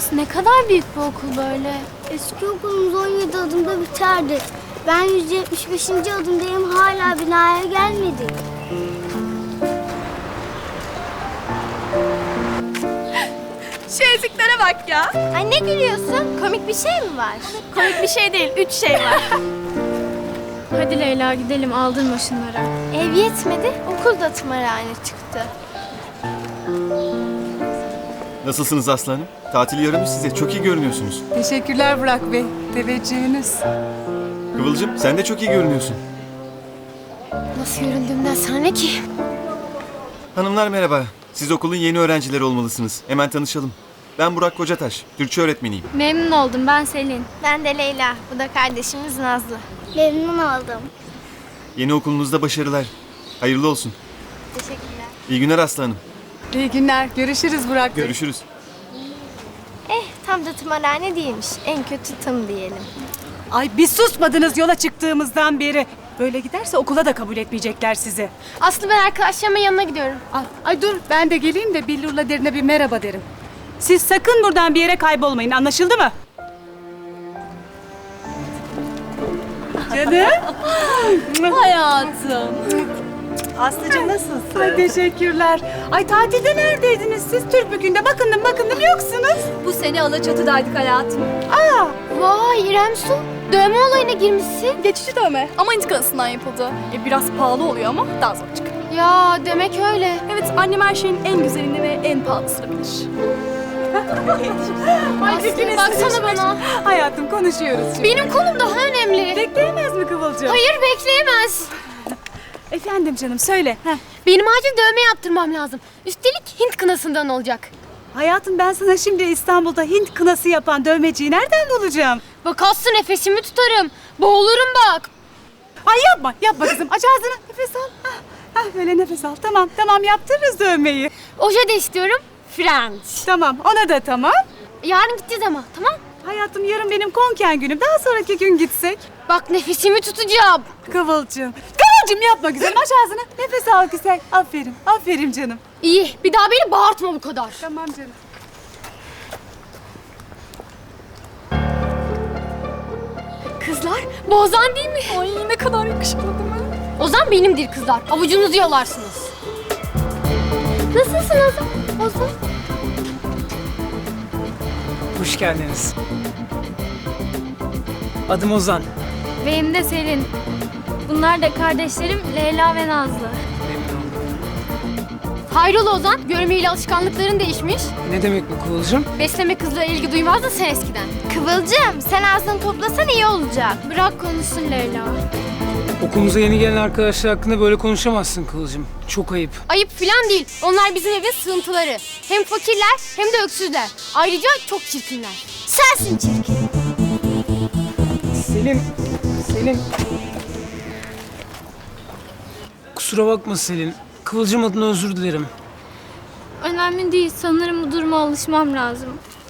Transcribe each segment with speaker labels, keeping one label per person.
Speaker 1: Burası ne kadar büyük bir okul böyle.
Speaker 2: Eski okulumuz 17 adımda biterdi. Ben 175. adımdayım, hala binaya gelmedik.
Speaker 1: Şu eziklere bak ya.
Speaker 2: Ay ne gülüyorsun? Komik bir şey mi var?
Speaker 1: Komik bir şey değil, 3 şey var. Hadi Leyla gidelim, aldırma şunlara.
Speaker 2: Ev yetmedi, okul da tımarhane çıktı.
Speaker 3: Nasılsınız aslanım? Tatil yaramış size. Çok iyi görünüyorsunuz.
Speaker 4: Teşekkürler Burak Bey. Teveccühünüz.
Speaker 3: Kıvılcım sen de çok iyi görünüyorsun.
Speaker 1: Nasıl göründüğümden sana ne ki?
Speaker 3: Hanımlar merhaba. Siz okulun yeni öğrencileri olmalısınız. Hemen tanışalım. Ben Burak Kocataş. Türkçe öğretmeniyim.
Speaker 1: Memnun oldum, ben Selin.
Speaker 2: Ben de Leyla, bu da kardeşimiz Nazlı. Memnun oldum.
Speaker 3: Yeni okulunuzda başarılar. Hayırlı olsun.
Speaker 2: Teşekkürler.
Speaker 3: İyi günler aslanım.
Speaker 4: İyi günler. Görüşürüz Burak Bey.
Speaker 3: Görüşürüz.
Speaker 2: Tam da tımarhane değilmiş. En kötü tım diyelim.
Speaker 4: Ay biz susmadınız yola çıktığımızdan beri. Böyle giderse okula da kabul etmeyecekler sizi.
Speaker 1: Aslı, ben arkadaşlarımın yanına gidiyorum.
Speaker 4: Ay dur ben de geleyim de Billur'la derine bir merhaba derim. Siz sakın buradan bir yere kaybolmayın, anlaşıldı mı? Canım.
Speaker 1: Hayatım.
Speaker 4: Aslıcığım nasılsın? Ay teşekkürler. Ay tatilde neredeydiniz siz? Türkbükü'nde bakındım yoksunuz.
Speaker 1: Bu sene Alaçatı'daydık hayatım.
Speaker 4: Aa,
Speaker 1: Vay İrem Su, dövme olayına girmişsin.
Speaker 5: Geçici dövme ama intikalısından yapıldı. Biraz pahalı oluyor ama daha zor çıkıyor.
Speaker 1: Ya demek öyle.
Speaker 5: Evet, annem her şeyin en güzelini ve en pahalısını bilir.
Speaker 4: ay
Speaker 1: Aslı,
Speaker 4: ikiniz
Speaker 1: baksana
Speaker 4: de-
Speaker 1: bana.
Speaker 4: Hayatım konuşuyoruz şimdi.
Speaker 1: Benim kolum daha önemli.
Speaker 4: Bekleyemez mi Kıvılcım?
Speaker 1: Hayır, bekleyemez.
Speaker 4: Efendim canım söyle. Heh.
Speaker 1: Benim acil dövme yaptırmam lazım. Üstelik Hint kınasından olacak.
Speaker 4: Hayatım ben sana şimdi İstanbul'da Hint kınası yapan dövmeciyi nereden bulacağım?
Speaker 1: Bak Aslı, nefesimi tutarım. Boğulurum bak.
Speaker 4: Ay yapma kızım. Aç ağzını, nefes al. Böyle nefes al. Tamam yaptırırız dövmeyi.
Speaker 1: Oje de istiyorum. French.
Speaker 4: Tamam, ona da tamam.
Speaker 1: Yarın gideceğiz ama, tamam?
Speaker 4: Hayatım yarın benim konken günüm. Daha sonraki gün gitsek.
Speaker 1: Bak nefesimi tutacağım.
Speaker 4: Kıvılcım yapma güzelim. Aç ağzını. Nefes al güzel. Aferin canım.
Speaker 1: İyi, bir daha beni bağırtma bu kadar.
Speaker 4: Tamam canım.
Speaker 1: Kızlar, bu Ozan değil mi?
Speaker 5: Ay ne kadar yakışıklı değil mi?
Speaker 1: Ozan benimdir kızlar. Avucunuzu yalarsınız. Nasılsın Ozan? Ozan.
Speaker 6: Hoş geldiniz. Adım Ozan.
Speaker 1: Benim de Selin. Bunlar da kardeşlerim Leyla ve Nazlı.
Speaker 6: Memnun oldum.
Speaker 1: Hayrola Ozan, görmeyle alışkanlıkların değişmiş.
Speaker 6: Ne demek bu Kıvılcım?
Speaker 1: Besleme kızlara ilgi duymazdın sen eskiden.
Speaker 2: Kıvılcım, sen ağzını toplasan iyi olacak.
Speaker 1: Bırak konuşsun Leyla.
Speaker 6: Okulumuza yeni gelen arkadaşlar hakkında böyle konuşamazsın Kıvılcım. Çok ayıp.
Speaker 1: Ayıp filan değil. Onlar bizim evin sığıntıları. Hem fakirler hem de öksüzler. Ayrıca çok çirkinler.
Speaker 2: Sensin çirkin.
Speaker 6: Selin. Kusura bakma Selin. Kıvılcım adına özür dilerim.
Speaker 1: Önemli değil. Sanırım bu duruma alışmam lazım.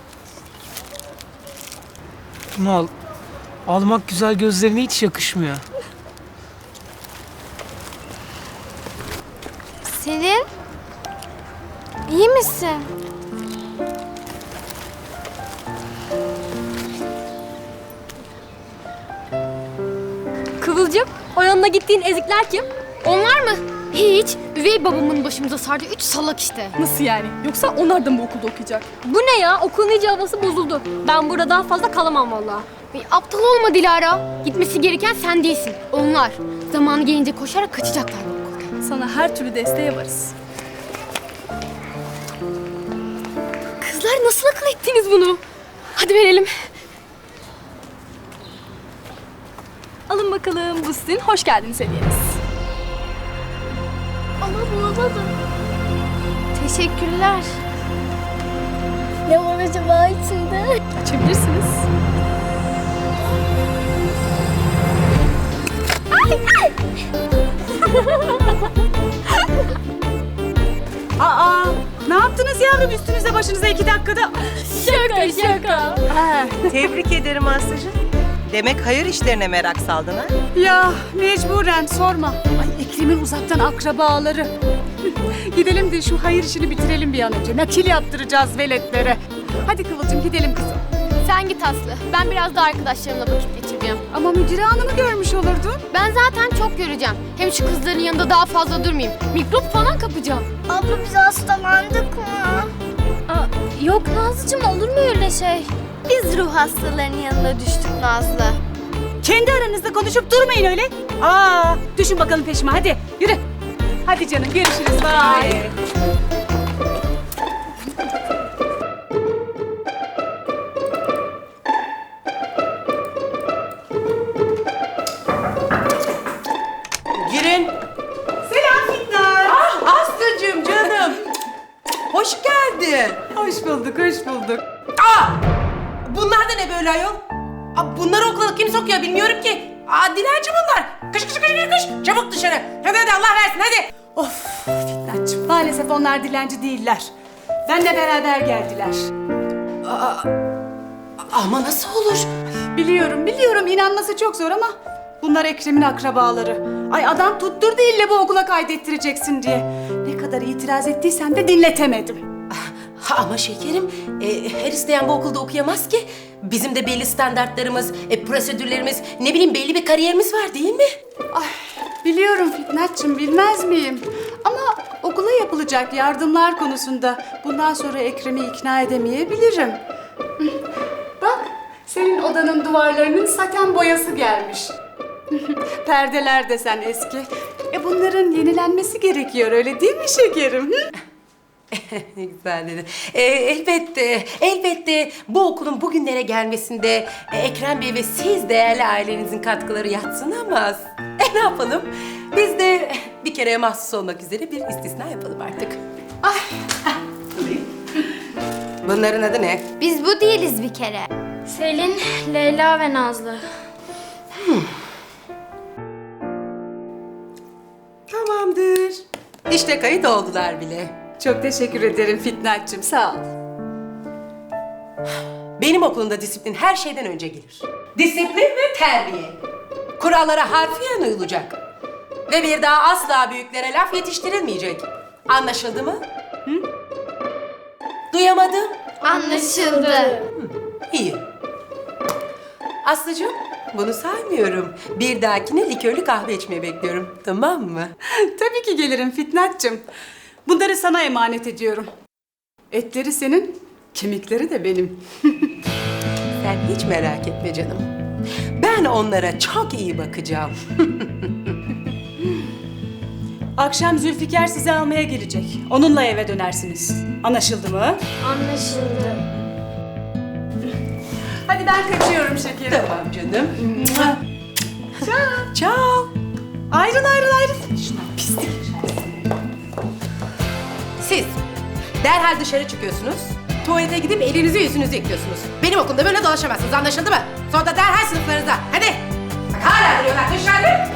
Speaker 6: Bunu al. Almak güzel gözlerine hiç yakışmıyor.
Speaker 2: Selin, iyi misin?
Speaker 1: Kıvılcım, o yanına gittiğin ezikler kim? Onlar mı? Hiç. Üvey babamın başımıza sardığı 3 salak işte.
Speaker 5: Nasıl yani? Yoksa onlar da mı bu okulda okuyacak?
Speaker 1: Bu ne ya? Okulun iyice havası bozuldu. Ben burada daha fazla kalamam vallahi. Aptal olma Dilara. Gitmesi gereken sen değilsin. Onlar. Zamanı gelince koşarak kaçacaklar bu okuldan.
Speaker 5: Sana her türlü desteğe varız.
Speaker 1: Kızlar nasıl akıl ettiniz bunu? Hadi verelim.
Speaker 5: Alın bakalım, bu sizin hoş geldiniz hediyeniz.
Speaker 2: Ama bu da. Teşekkürler. Ne var acaba içinde?
Speaker 5: Açabilirsiniz.
Speaker 4: Aa, ne yaptınız yavrum üstünüze başınıza 2 dakikada?
Speaker 1: Şaka.
Speaker 7: Tebrik ederim Aslı'cığım. Demek hayır işlerine merak saldın ha?
Speaker 4: Ya mecburen sorma. Ay Ekrem'in uzaktan akrabaları. Gidelim de şu hayır işini bitirelim bir an önce. Nakil yaptıracağız veletlere. Hadi Kıvılcım gidelim kızım.
Speaker 1: Sen git Aslı. Ben biraz da arkadaşlarımla vakit geçireceğim.
Speaker 4: Ama Müdüre Hanım'ı görmüş olurdun.
Speaker 1: Ben zaten çok göreceğim. Hem şu kızların yanında daha fazla durmayayım. Mikrop falan kapacağım.
Speaker 2: Abla biz hastalandık mı?
Speaker 1: Yok Nazlıcığım, olur mu öyle şey?
Speaker 2: Biz ruh hastalarının yanına düştük Nazlı.
Speaker 4: Kendi aranızda konuşup durmayın öyle. Düşün bakalım peşime hadi yürü. Hadi canım görüşürüz. Bye.
Speaker 7: Girin.
Speaker 4: Selam Fitnat.
Speaker 7: Aslıcığım canım. Hoş geldin.
Speaker 4: Hoş bulduk, hoş bulduk.
Speaker 7: Bunlar da ne böyle ayol? Bunları okula kim sokuyor bilmiyorum ki. Dilenci bunlar. Kış kış kış kış kış. Çabuk dışarı. Hadi Allah versin hadi.
Speaker 4: Of Fitnatçığım maalesef onlar dilenci değiller. Benle beraber geldiler.
Speaker 7: Ama nasıl olur?
Speaker 4: Biliyorum inanması çok zor ama bunlar Ekrem'in akrabaları. Ay adam tutturdu ille bu okula kaydettireceksin diye. Ne kadar itiraz ettiysem de dinletemedim.
Speaker 8: Ama şekerim, her isteyen bu okulda okuyamaz ki. Bizim de belli standartlarımız, prosedürlerimiz, ne bileyim belli bir kariyerimiz var değil mi?
Speaker 4: Ay, biliyorum Fitnatçığım, bilmez miyim? Ama okula yapılacak yardımlar konusunda bundan sonra Ekrem'i ikna edemeyebilirim. Bak, senin odanın duvarlarının saten boyası gelmiş. Perdeler desen eski. Bunların yenilenmesi gerekiyor, öyle değil mi şekerim? Hı?
Speaker 8: Ne güzel dedin. Elbette bu okulun bugünlere gelmesinde Ekrem Bey ve siz değerli ailenizin katkıları yadsınamaz. Ne yapalım? Biz de bir kereye mahsus olmak üzere bir istisna yapalım artık. Bunların adı ne?
Speaker 2: Biz bu değiliz bir kere.
Speaker 1: Selin, Leyla ve Nazlı.
Speaker 8: Tamamdır. İşte kayıt oldular bile.
Speaker 4: Çok teşekkür ederim Fitnatçığım, sağ ol.
Speaker 8: Benim okulumda disiplin her şeyden önce gelir. Disiplin ve terbiye. Kurallara harfiyen uyulacak. Ve bir daha asla büyüklere laf yetiştirilmeyecek. Anlaşıldı mı? Hı? Duyamadım.
Speaker 2: Anlaşıldı.
Speaker 8: İyi. Aslıcığım, bunu saymıyorum. Bir dahakine likörlü kahve içmeye bekliyorum. Tamam mı?
Speaker 4: Tabii ki gelirim Fitnatçığım. Bunları sana emanet ediyorum. Etleri senin, kemikleri de benim.
Speaker 8: Sen hiç merak etme canım. Ben onlara çok iyi bakacağım.
Speaker 4: Akşam Zülfikar sizi almaya gelecek. Onunla eve dönersiniz. Anlaşıldı mı?
Speaker 1: Anlaşıldı.
Speaker 4: Hadi ben kaçıyorum şekerim.
Speaker 8: Tamam canım.
Speaker 4: Ciao.
Speaker 8: Ciao.
Speaker 4: Ayrıl. Şuna pislik.
Speaker 8: Siz derhal dışarı çıkıyorsunuz. Tuvalete gidip elinizi yüzünüzü yıkıyorsunuz. Benim okulda böyle dolaşamazsınız, anlaşıldı mı? Sonra da derhal sınıflarınıza. Hadi. Bak hala duruyorlar dışarı.